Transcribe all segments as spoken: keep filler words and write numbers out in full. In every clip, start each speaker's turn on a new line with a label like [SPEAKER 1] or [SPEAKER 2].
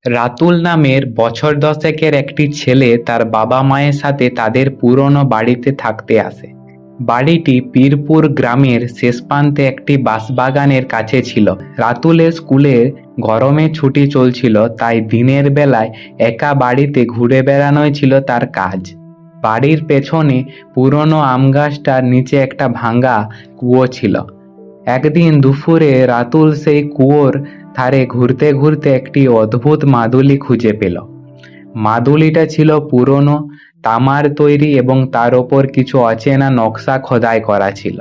[SPEAKER 1] রাতুল নামের বছর দশেকের একটি ছেলে তার বাবা মায়ের সাথে তাদের পুরনো বাড়িতে থাকতে আসে। বাড়িটি পীরপুর গ্রামের শেষ প্রান্তে একটি বাঁশবাগানের কাছে ছিল। রাতুলের স্কুলে গরমে ছুটি চলছিল, তাই দিনের বেলায় একা বাড়িতে ঘুরে বেড়ানোই ছিল তার কাজ। বাড়ির পেছনে পুরনো আম গাছটার নিচে একটা ভাঙা কুয়ো ছিল। একদিন দুপুরে রাতুল সেই কুয়োর ধারে ঘুরতে ঘুরতে একটি অদ্ভুত মাদুলি খুঁজে পেল। মাদুলিটা ছিল পুরনো, তামার তৈরি এবং তার ওপর কিছু অচেনা নকশা খোদাই করা ছিল।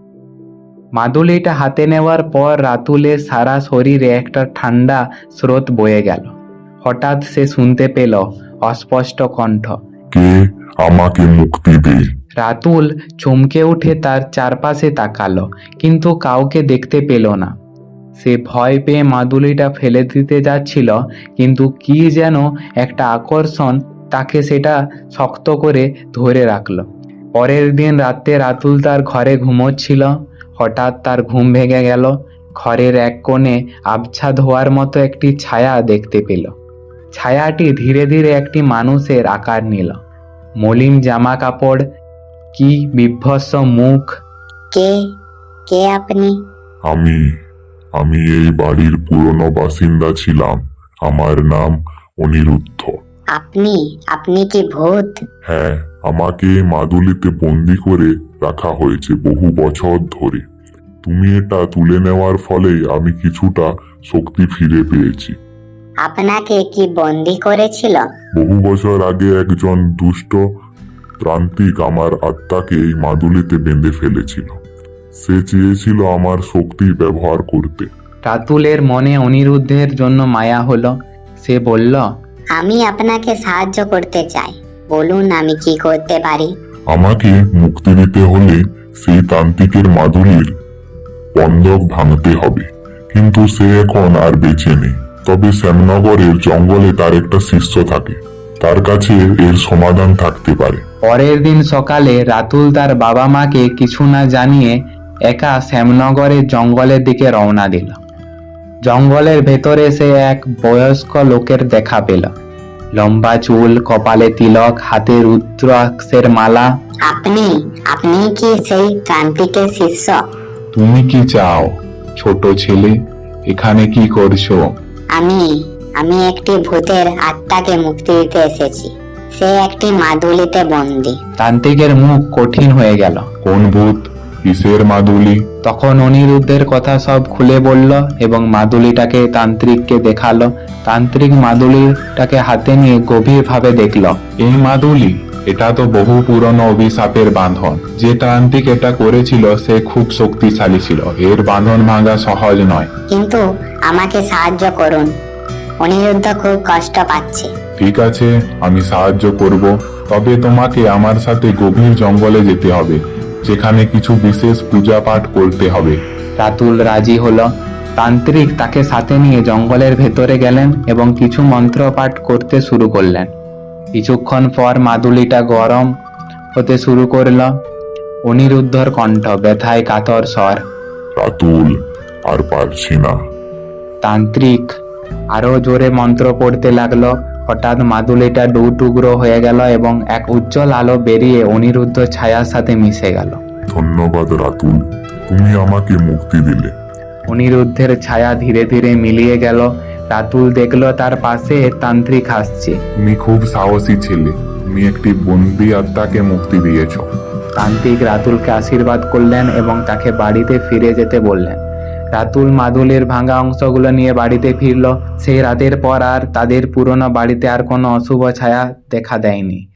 [SPEAKER 1] মাদুলিটা হাতে নেওয়ার পর রাতুলের সারা শরীরে একটা ঠান্ডা স্রোত বয়ে গেল। হঠাৎ সে শুনতে পেল অস্পষ্ট কণ্ঠ,
[SPEAKER 2] কে আমাকে মুক্তি দে।
[SPEAKER 1] রাতুল চমকে উঠে তার চারপাশে তাকালো, কিন্তু কাউকে দেখতে পেল না। সে ভয় পেয়ে মাদুলিটা ফেলে দিতে যাচ্ছিল, কিন্তু কি যেন একটা আকর্ষণ তাকে সেটা শক্ত করে ধরে রাখলো। পরের দিন রাতে রাতুল তার ঘরে ঘুমোচ্ছিল। হঠাৎ তার ঘুম ভেঙে গেল। ঘরের এক কোণে আবছা ধোয়ার মতো একটি ছায়া দেখতে পেল। ছায়াটি ধীরে ধীরে একটি মানুষের আকার নিল। মলিন জামা কাপড়, কি বিভৎস মুখ।
[SPEAKER 3] কে কে আপনি?
[SPEAKER 2] আমি আমি এই বাড়ির পুরনো বাসিন্দা ছিলাম। আমার নাম অনিরুদ্ধ।
[SPEAKER 3] আপনি আপনি কি ভূত?
[SPEAKER 2] হ্যাঁ, আমাকে এই মাদুলিতে বন্দি করে রাখা হয়েছে বহু বছর ধরে। তুমি এটা তুলে নেওয়ার ফলেই আমি কিছুটা শক্তি ফিরে পেয়েছি।
[SPEAKER 3] আপনাকে কি বন্দি করেছিল?
[SPEAKER 2] বহু বছর আগে একজন দুষ্ট প্রান্তিক আমার আত্মাকে এই মাদুলিতে বেঁধে ফেলেছিল। সে চেয়েছিল আমার শক্তি ব্যবহার করতে।
[SPEAKER 1] রাতুলের মনে অনিরুদ্ধের জন্য মায়া হলো। সে বলল,
[SPEAKER 3] আমি আপনাকে সাহায্য করতে চাই, বলুন আমি কি করতে পারি?
[SPEAKER 2] আমাকে মুক্তি দিতে হলে সেই তান্ত্রিকের মাদুলির বন্ধক ভাঙতে হবে, কিন্তু সে এখন আর বেঁচে নেই। তবে শ্যামনগরের জঙ্গলে তার একটা শিষ্য থাকে, তার কাছে এর সমাধান থাকতে পারে।
[SPEAKER 1] পরের দিন সকালে রাতুল তার বাবা মাকে কিছু না জানিয়ে একা শ্যামনগরের জঙ্গলের দিকে রওনা দিল। জঙ্গলের ভেতরে সে এক বয়স্ক লোকের দেখা পেল। লম্বা চুল, কপালে তিলক, হাতে রুদ্রাক্ষের মালা।
[SPEAKER 3] আপনি আপনি কি সেই তান্ত্রিকের শিষ্য?
[SPEAKER 2] তুমি কি চাও ছোট ছেলে? এখানে কি করছো?
[SPEAKER 3] আমি আমি একটি ভূতের আত্মাকে মুক্তি দিতে এসেছি। সে একটি মাদুলিতে বন্দি।
[SPEAKER 1] তান্ত্রিকের মুখ কঠিন হয়ে গেল।
[SPEAKER 2] কোন ভূত? কিসের মাদুলি?
[SPEAKER 1] তখন অনিরুদ্ধের কথা সব খুলে বলল এবং মাদুলিটাকে তান্ত্রিককে দেখালো। তান্ত্রিক মাদুলিটাকে হাতে নিয়ে গভীরভাবে দেখল।
[SPEAKER 4] এই মাদুলি, এটা তো বহু পুরনো অভিশাপের বাঁধন। যে তান্ত্রিক এটা করেছিল সে খুব শক্তিশালী ছিল। এর বাঁধন ভাঙা সহজ নয়।
[SPEAKER 3] কিন্তু আমাকে সাহায্য করুন, অনিরুদ্ধ খুব কষ্ট পাচ্ছে।
[SPEAKER 4] ঠিক আছে, আমি সাহায্য করব, তবে তোমাকে আমার সাথে গভীর জঙ্গলে যেতে হবে, যেখানে কিছু বিশেষ পূজা পাঠ করতে হবে।
[SPEAKER 1] রাতুল রাজি হলো। তান্ত্রিক তাকে সাথে নিয়ে জঙ্গলের ভেতরে গেলেন এবং কিছু মন্ত্র পাঠ করতে শুরু করলেন। কিছুক্ষণ পর মাদুলিটা গরম হতে শুরু করল। অনিরুদ্ধর কণ্ঠ ব্যথায় কাতর স্বর,
[SPEAKER 2] রাতুল, আর পারছি না।
[SPEAKER 1] তান্ত্রিক আরো জোরে মন্ত্র পড়তে লাগলো। হঠাৎ মাদুলিটা দু টুকরো হয়ে গেল এবং এক উজ্জ্বল আলো বেরিয়ে অনিরুদ্ধ ছায়ার সাথে মিশে গেল।
[SPEAKER 2] ধন্যবাদ রাতুল, তুমি আমাকে মুক্তি দিলে।
[SPEAKER 1] অনিরুদ্ধের ছায়া ধীরে ধীরে মিলিয়ে গেল। রাতুল দেখলো তার পাশে তান্ত্রিক হাসছে।
[SPEAKER 4] তুমি খুব সাহসী ছেলে, তুমি একটি বন্দি আত্মাকে মুক্তি দিয়েছো।
[SPEAKER 1] তান্ত্রিক রাতুলকে আশীর্বাদ করলেন এবং তাকে বাড়িতে ফিরে যেতে বললেন। রাতুল মাদুলির ভাঙা অংশগুলো নিয়ে বাড়িতে ফিরল। সেই রাতের পর আর তাদের পুরনো বাড়িতে আর কোনো অশুভ ছায়া দেখা দেয়নি।